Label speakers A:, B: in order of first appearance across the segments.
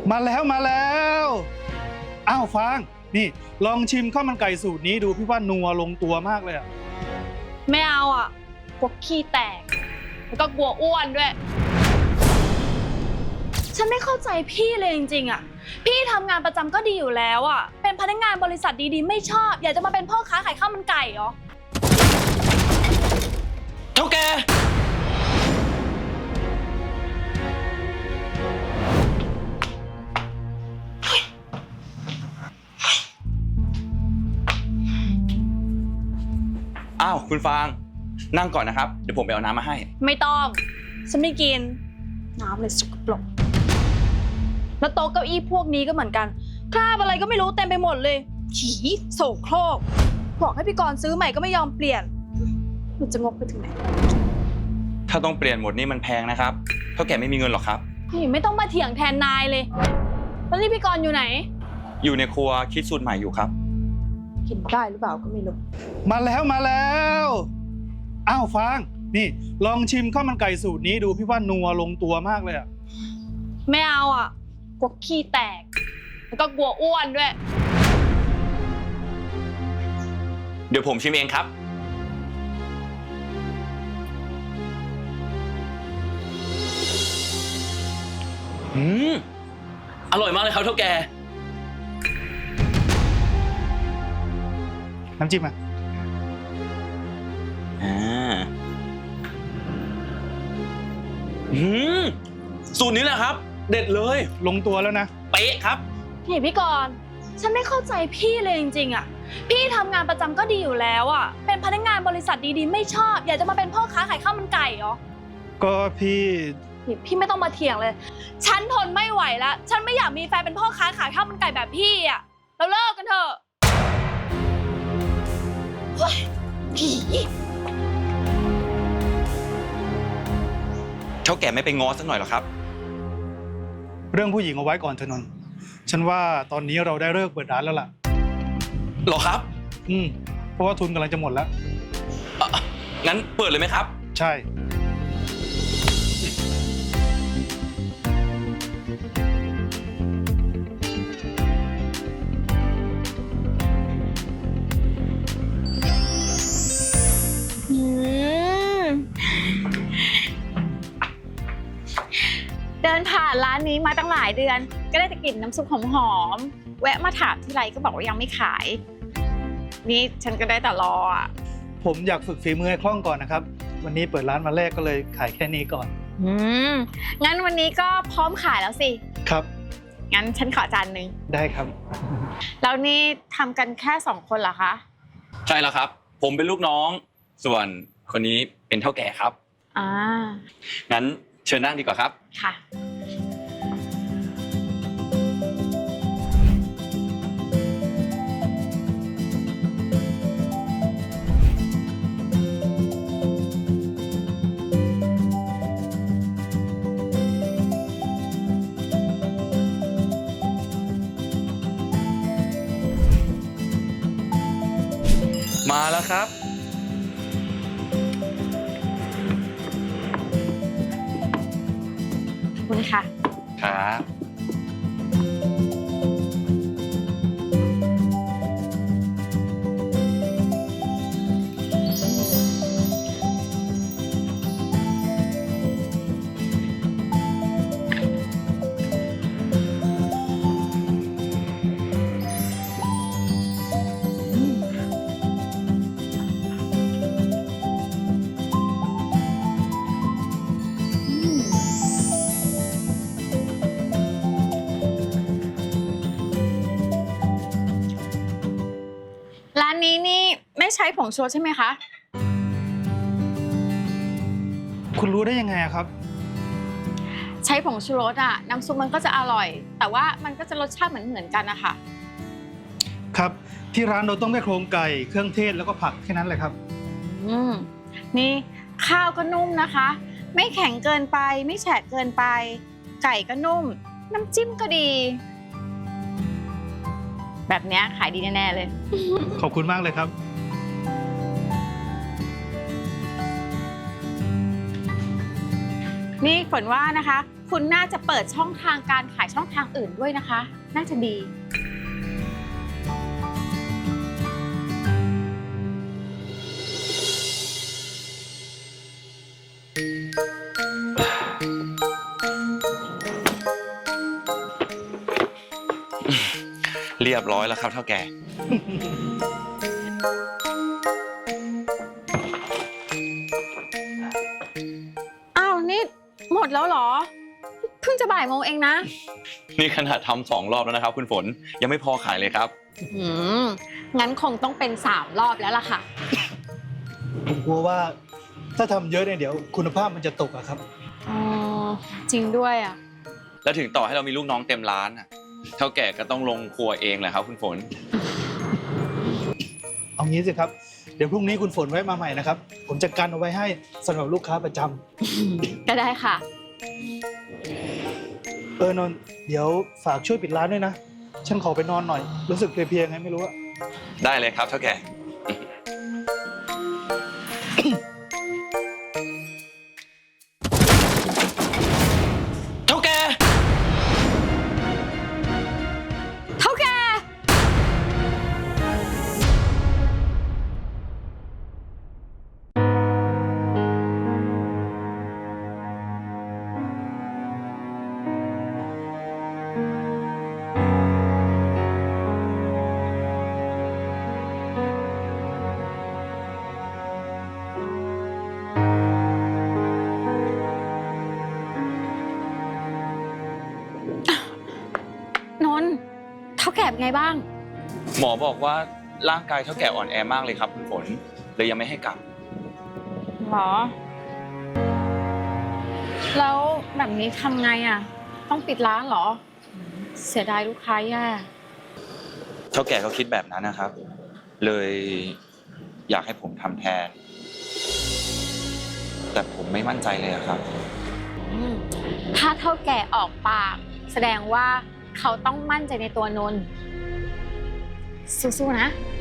A: มาแล้วมาแล้วอ้าวฟางนี่ลองชิมข้าวมันไก่สูตรนี้ดูพี่ว่านัวลงตัวมากเลยอะ
B: ไม่เอาอ่ะกลัวขี้แตกแล้วก็กลัวอ้วนด้วยฉันไม่เข้าใจพี่เลยจริงๆอ่ะพี่ทำงานประจำก็ดีอยู่แล้วอ่ะเป็นพนักงานบริษัทดีๆไม่ชอบอยากจะมาเป็นพ่อค้าขายข้าวมันไก่เหรอ
C: เท่าแกอ้าวคุณฟางนั่งก่อนนะครับเดี๋ยวผมไปเอาน้ำมาให้
B: ไม่ต้องฉันไม่กินน้ำเลยสกปรกแล้วโต๊ะเก้าอี้พวกนี้ก็เหมือนกันคราบอะไรก็ไม่รู้เต็มไปหมดเลยขี้โสโครกบอกให้พี่กรณ์ซื้อใหม่ก็ไม่ยอมเปลี่ยนมันจะงกไปถึงไหน
C: ถ้าต้องเปลี่ยนหมดนี่มันแพงนะครับเท่าแกไม่มีเงินหรอกครับ
B: นี่ไม่ต้องมาเถียงแทนนายเลยแล้วนี่พี่กรณ์อยู่ไหน
C: อยู่ในครัวคิดสูตรใหม่อยู่ครับ
B: กินได้หรือเปล่าก็ไม่รู้
A: มาแล้วมาแล้วอ้าวฟางนี่ลองชิมข้าวมันไก่สูตรนี้ดูพี่ว่านัวลงตัวมากเลยอะ
B: ไม่เอาอ่ะกลัวขี้แตกแล้วก็กลัวอ้วนด้วย
C: เดี๋ยวผมชิมเองครับอร่อยมากเลยครับเท่าแก
A: น้ำจิ้มอ่ะ
C: สูตรนี้แหละครับเด็ดเลย
A: ลงตัวแล้วนะ
C: เป๊ะครับ
B: นี่พี่กรณ์ฉันไม่เข้าใจพี่เลยจริงๆอ่ะพี่ทำงานประจำก็ดีอยู่แล้วอ่ะเป็นพนักงานบริษัทดีๆไม่ชอบอยากจะมาเป็นพ่อค้าขายข้าวมันไก่เหรอ
A: ก็พี่
B: ไม่ต้องมาเถียงเลยฉันทนไม่ไหวแล้วฉันไม่อยากมีแฟนเป็นพ่อค้าขายข้าวมันไก่แบบพี่อ่ะเราเลิกกันเถอะ
C: เท่าแก่ไม่ไปง้อสักหน่อยหรอครับ
A: เรื่องผู้หญิงเอาไว้ก่อนเถอะนนท์ฉันว่าตอนนี้เราได้เลิกเปิดร้านแล้วล่ะ
C: หรอครับ
A: เพราะว่าทุนกำลังจะหมดแล้ว
C: งั้นเปิดเลยไหมครับ
A: ใช่
D: เดินผ่านร้านนี้มาตั้งหลายเดือนก็ได้แต่กลิ่นน้ำซุปหอมๆแวะมาถามที่ไรก็บอกว่ายังไม่ขายนี่ฉันก็ได้แต่รออ่ะ
A: ผมอยากฝึกฝีมือให้คล่องก่อนนะครับวันนี้เปิดร้านมาแรกก็เลยขายแค่นี้ก่อน
D: งั้นวันนี้ก็พร้อมขายแล้วสิ
A: ครับ
D: งั้นฉันขอจานนึง
A: ได้ครับ
D: แล้วนี่ทำกันแค่2 คนเหรอคะ
C: ใช่แล้วครับผมเป็นลูกน้องส่วนคนนี้เป็นเท่าแก่ครับงั้นเชิญนั่งดีกว่าครับ
D: ค่ะ
C: มาแล้วครับ
D: ขอบคุณค่ะ
C: ครับ
D: ร้านนี้นี่ไม่ใช้ผงชูรสใช่ไหมคะ
A: คุณรู้ได้ยังไงครับ
D: ใช้ผงชูรสอ่ะน้ำซุปมันก็จะอร่อยแต่ว่ามันก็จะรสชาติเหมือนกันนะคะ
A: ครับที่ร้านเราต้องได้โครงไก่เครื่องเทศแล้วก็ผักแค่นั้นเลยครับ
D: นี่ข้าวก็นุ่มนะคะไม่แข็งเกินไปไม่แฉะเกินไปไก่ก็นุ่มน้ำจิ้มก็ดีแบบนี้ขายดีแน่ๆเลย
A: ขอบคุณมากเลยครับ
D: นี่ฝนว่านะคะคุณน่าจะเปิดช่องทางการขายช่องทางอื่นด้วยนะคะ น่าจะดี
C: เรียบร้อยแล้วครับเท่าแก่
D: อ้าวนี่หมดแล้วเหรอ เพิ่งจะบ่ายโมงเองนะ
C: นี่ขนาดทำ2 รอบแล้วนะครับ คุณฝนยังไม่พอขายเลยครับ
D: งั้นคงต้องเป็น3 รอบแล้วล่ะค่ะ
A: ผมกลัวว่าถ้าทำเยอะเนี่ยเดี๋ยวคุณภาพมันจะตกอะครับ
D: อ๋อ จริงด้วยอ่ะ
C: แล้วถึงต่อให้เรามีลูกน้องเต็มร้านอะเท่าแก่ก็ต้องลงครัวเองแหละครับ คุณฝน
A: เอางี้สิครับ เดี๋ยวพรุ่งนี้คุณฝนไว้มาใหม่นะครับ ผมจะกันเอาไว้ให้สำหรับลูกค้าประจำ
D: ก็ได้ค่ะ
A: นนท์เดี๋ยวฝากช่วยปิดร้านด้วยนะ ฉันขอไปนอนหน่อย รู้สึกเพลียๆไงไม่รู้อะ
C: ได้เลยครับเท่าแก่ เท่าแก่
D: เท่าแก่ นนท์เท่าแก่เป็นไงบ้าง
C: หมอบอกว่าร่างกายเท่าแก่อ่อนแอมากเลยครับคุณฝนเลยยังไม่ให้กลับ
D: หรอ แล้วแบบนี้ทำไงอ่ะ ต้องปิดร้านเหรอ เสียดายลูกค้าแย่
C: เท่าแก่เขาคิดแบบนั้นนะครับ เลยอยากให้ผมทำแทน แต่ผมไม่มั่นใจเลยอะครับ
D: ถ้าเท่าแก่ออกปาก แสดงว่าเขาต้องมั่นใจในตัวนนท์สู้ๆนะ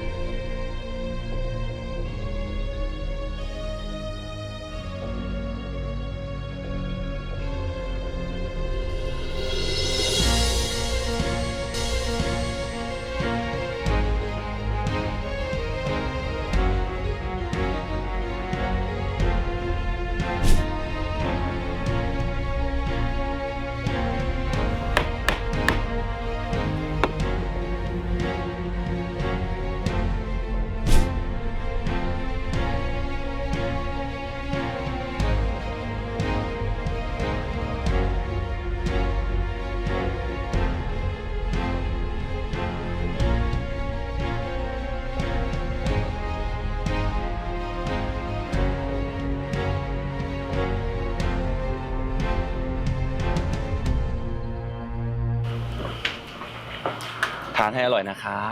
C: ทานให้อร่อยนะครับ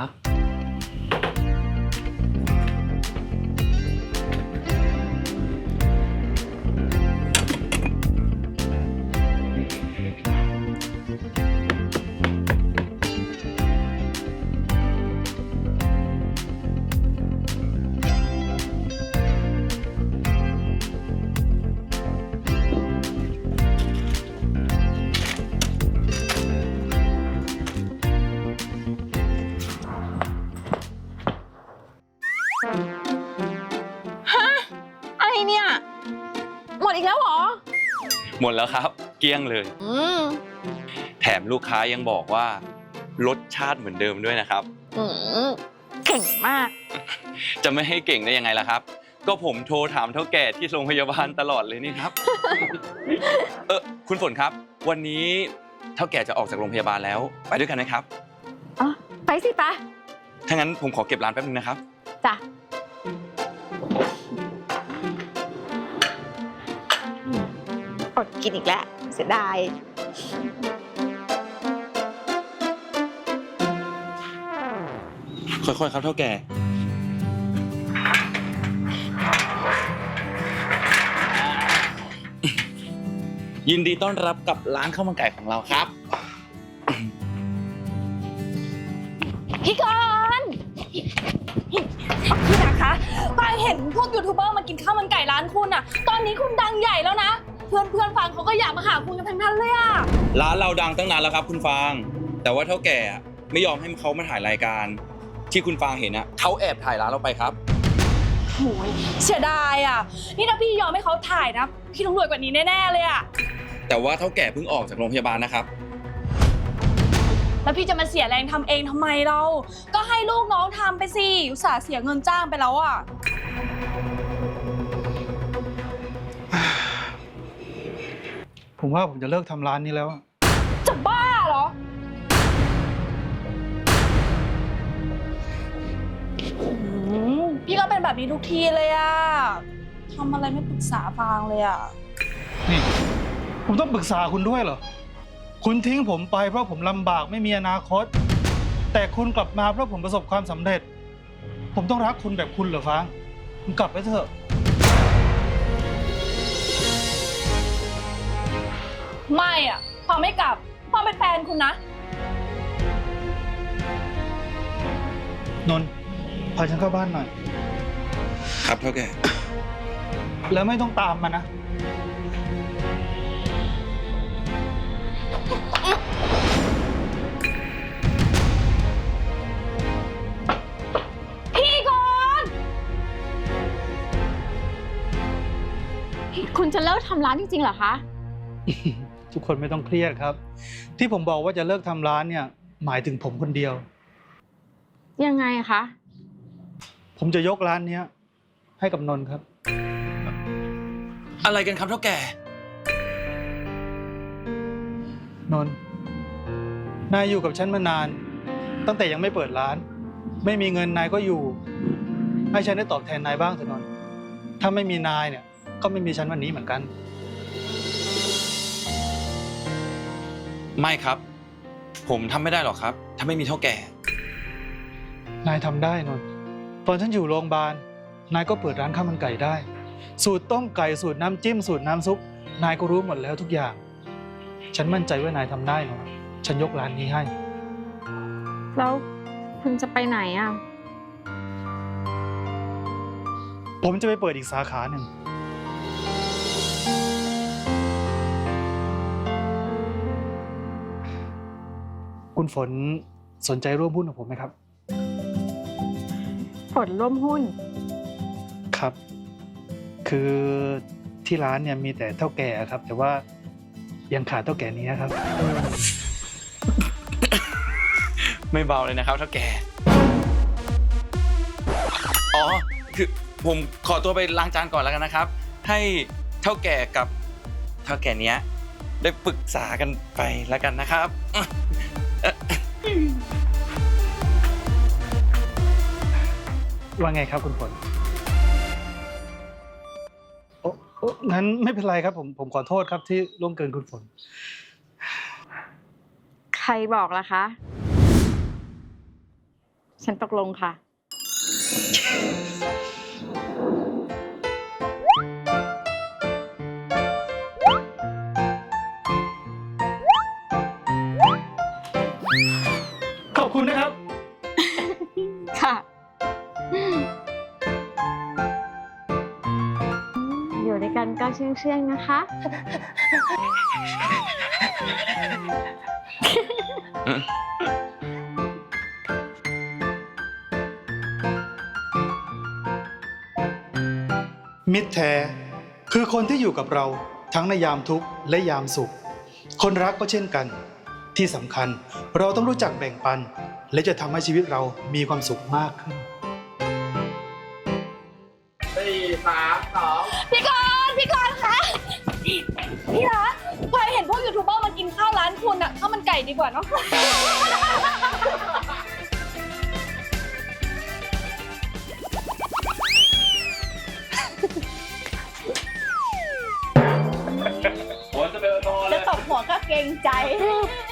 D: อะไรเนี่ย หมดอีกแล้วเหรอ
C: หมดแล้วครับ เกลี้ยงเลย แถมลูกค้ายังบอกว่ารสชาติเหมือนเดิมด้วยนะครับ
D: เก่งมาก
C: จะไม่ให้เก่งได้ยังไงล่ะครับ ก็ผมโทรถามเท่าแก่ที่โรงพยาบาลตลอดเลยนี่ครับ คุณฝนครับ วันนี้เท่าแก่จะออกจากโรงพยาบาลแล้ว ไปด้วยกันไหมครับ
D: อ๋อ ไปสิปะ
C: ถ้างั้นผมขอเก็บร้านแป๊บนึงนะครับ
D: จ้ะอดกินอีกแล้ว เสียดาย
C: ค่อยๆครับเท่าแก่ ยินดีต้อนรับกับร้านข้าวมันไก่ของเราครับ
B: พี่กรณ์พี่นะคะปายเห็นพวกยูทูบเบอร์มากินข้าวมันไก่ร้านคุณอะตอนนี้คุณดังใหญ่แล้วนะพื่อนฟังเขาก็อยากมาหาคุณกันทั้งนั้นเลยอะ
C: ร้านเราดังตั้งนานแล้วครับคุณฟาง แต่ว่าเท่าแก่ไม่ยอมให้เขามาถ่ายรายการ ที่คุณฟางเห็นอะเขาแอบถ่ายร้านเราไปครับ
B: โหยเสียดายอะนี่ถ้าพี่ยอมให้เขาถ่ายนะ พี่ต้องรวยกว่านี้แน่ๆเลยอะ
C: แต่ว่าเท่าแก่เพิ่งออกจากโรงพยาบาลนะครับ
B: แล้วพี่จะมาเสียแรงทำเองทำไมเรา ก็ให้ลูกน้องทำไปสิอุตส่าห์เสียเงินจ้างไปแล้วอะ
A: ผมว่าผมจะเลิกทำร้านนี้แล้วอะ
B: จะบ้าเหรอพี่ก็เป็นแบบนี้ทุกทีเลยอะทำอะไรไม่ปรึกษาฟางเลยอะ
A: นี่ ผมต้องปรึกษาคุณด้วยเหรอ คุณทิ้งผมไปเพราะผมลำบากไม่มีอนาคต แต่คุณกลับมาเพราะผมประสบความสำเร็จ ผมต้องรักคุณแบบคุณเหรอฟางคุณกลับไปเถอะ
B: ไม่อะฟางไม่กลับฟางเป็นแฟนคุณนะ
A: นนท์พาฉันเข้าบ้านหน่อย
C: ครับเท่าแก่
A: แล้วไม่ต้องตามมานะ
B: พี่ก่อน
D: คุณจะเลิกทำร้านจริงๆเหรอคะ
A: ทุกคนไม่ต้องเครียดครับ ที่ผมบอกว่าจะเลิกทำร้านเนี่ย หมายถึงผมคนเดียว
D: ยังไงคะ
A: ผมจะยกร้านเนี้ยให้กับนนท์ครับ
C: อะไรกันครับเท่าแก่
A: นนท์นายอยู่กับฉันมานาน ตั้งแต่ยังไม่เปิดร้าน ไม่มีเงินนายก็อยู่ ให้ฉันได้ตอบแทนนายบ้างเถอะนนท์ถ้าไม่มีนายเนี่ย ก็ไม่มีฉันวันนี้เหมือนกัน
C: ไม่ครับ ผมทำไม่ได้หรอกครับ ถ้าไม่มีเท่าแก่
A: นายทำได้นนท์ตอนฉันอยู่โรงพยาบาล นายก็เปิดร้านข้าวมันไก่ได้ สูตรต้มไก่สูตรน้ำจิ้มสูตรน้ำซุป นายก็รู้หมดแล้วทุกอย่าง ฉันมั่นใจว่านายทำได้นนท์ฉันยกร้านนี้ให้
D: แล้วคุณจะไปไหนอ่ะ
A: ผมจะไปเปิดอีกสาขาหนึ่ง คุณฝนสนใจร่วมหุ้นกับผมไหมครับ
D: ผลร่วมหุ้น
A: ครับ คือที่ร้านเนี่ยมีแต่เท่าแก่ครับ แต่ว่ายังขาดเท่าแก่นี้ครับ
C: ไม่เบาเลยนะครับเท่าแก่ อ๋อ คือผมขอตัวไปล้างจานก่อนแล้วกันนะครับ ให้เท่าแก่กับเท่าแก่เนี้ยได้ปรึกษากันไปแล้วกันนะครับ
A: ว่าไงครับคุณฝนโอ้งั้นไม่เป็นไรครับผมขอโทษครับที่ล่วงเกินคุณฝน
D: ใครบอกล่ะคะ ฉันตกลงค่ะ
A: ขอบคุณนะครับ
D: ค่ะ อยู่ด้วยกันก็เชื่องๆนะคะ
A: มิตรแท้คือคนที่อยู่กับเราทั้งในยามทุกข์และยามสุข คนรักก็เช่นกัน ที่สำคัญเราต้องรู้จักแบ่งปัน และจะทำให้ชีวิตเรามีความสุขมากขึ้น
B: พี่กรณ์คะพี่รักพลอยเห็นพวกยูทูบเบอร์มากินข้าวร้านคุณอะข้าวมันไก่ดีกว่าเนาะ
C: ผมจะไปนอน
B: จะตบหัวก็เกรงใจ